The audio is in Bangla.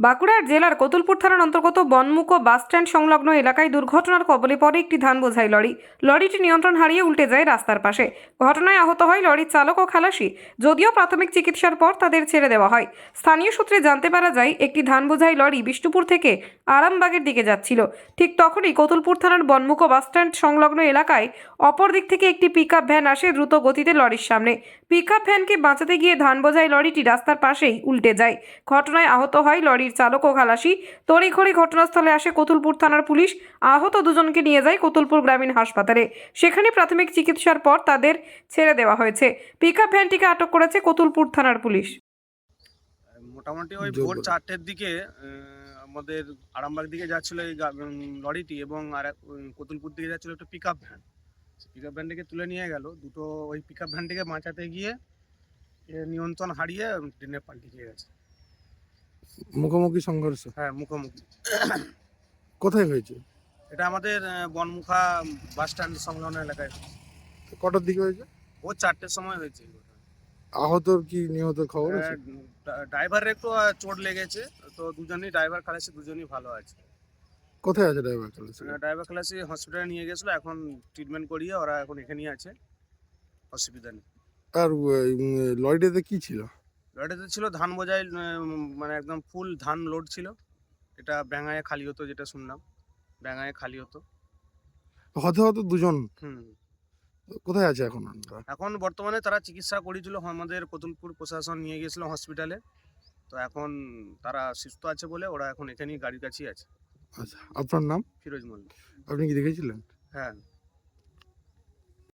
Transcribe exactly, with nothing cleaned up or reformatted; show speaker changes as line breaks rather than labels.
বাঁকুড়ার জেলার কতুলপুর থানার অন্তর্গত বনমুকো বাসস্ট্যান্ড সংলগ্ন এলাকায় দুর্ঘটনার কবলে পড়ে একটি ধান বোঝাই লরি। লরিটি নিয়ন্ত্রণ হারিয়ে উল্টে যায় রাস্তার পাশে। ঘটনায় আহত হয় লরির চালক ও খালাসি। যদিও প্রাথমিক চিকিৎসার পর তাদের ছেড়ে দেওয়া হয়। স্থানীয় সূত্রে জানতে পারা যায়, একটি ধান বোঝাই লরি বিষ্ণুপুর থেকে আরামবাগের দিকে যাচ্ছিল। ঠিক তখনই কতুলপুর থানার বনমুকো বাসস্ট্যান্ড সংলগ্ন এলাকায় অপর দিক থেকে একটি পিকআপ ভ্যান আসে দ্রুত গতিতে লরির সামনে। পিকআপ ভ্যানকে বাঁচাতে গিয়ে ধান বোঝাই লরিটি রাস্তার পাশেই উল্টে যায়। ঘটনায় আহত হয় লরির চালক ও খালাসি। তড়িঘড়ি ঘটনাস্থলে আসে কতুলপুর থানার পুলিশ। আহত দুজনকে নিয়ে যায় কতুলপুর গ্রামীণ হাসপাতালে। সেখানে প্রাথমিক চিকিৎসার পর তাদের ছেড়ে দেওয়া হয়েছে। পিকআপ ভ্যানটিকে আটক করেছে কতুলপুর থানার পুলিশ।
মোটামুটি ওই ভোর চারটের দিকে আমাদের আরামবাগ দিকে যাচ্ছিল এই লরিটি এবং আর এক কতুলপুর দিকে যাচ্ছিল একটা পিকআপ ভ্যান। পিকআপ ভ্যানটিকে তুলে নিয়ে গেল দুটো। ওই পিকআপ ভ্যানটিকে বাঁচাতে গিয়ে নিয়ন্ত্রণ হারিয়ে ট্রেনে পাল্টে গিয়ে গেছে।
মুখোমুখি সংঘর্ষ?
হ্যাঁ, মুখোমুখি।
কোথায় হয়েছে
এটা আমাদের বনমুখা বাস স্ট্যান্ড সংলগ্ন এলাকায়।
কটার দিকে হয়েছে?
ও চারটের সময় হয়েছে।
আহতর কি নিহতের খবর আছে?
ড্রাইভারের একটু চোট লেগেছে, তো দুজনই ড্রাইভার খালাসি দুজনই ভালো আছে।
কোথায় আছে ড্রাইভার খালাসি?
ড্রাইভার খালাসি হসপিটালে নিয়ে গেছিলো, এখন ট্রিটমেন্ট করিয়ে ওরা এখন এখানেই আছে, অসুবিধা নেই।
আর লরিটাতে কি ছিল?
লরিটাতে ছিল ধান বোঝাই, মানে একদম ফুল ধান লোড ছিল। এটা ব্যাঙায় খালি হতো, যেটা শুনলাম ব্যাঙায় খালি হতো।
হতে হতে দুজন।
হুম
কোথায় আছে এখন?
এখন বর্তমানে তারা চিকিৎসা করেছিল, আমাদের কতুলপুর প্রশাসন নিয়ে গিয়েছিল হসপিটালে। তো এখন তারা সুস্থ আছে বলে ওরা এখন এখানেই গাড়ির কাছেই আছে।
আচ্ছা, আপনার নাম?
ফিরোজ মল্লিক।
আপনি কি দেখেছিলেন?
হ্যাঁ।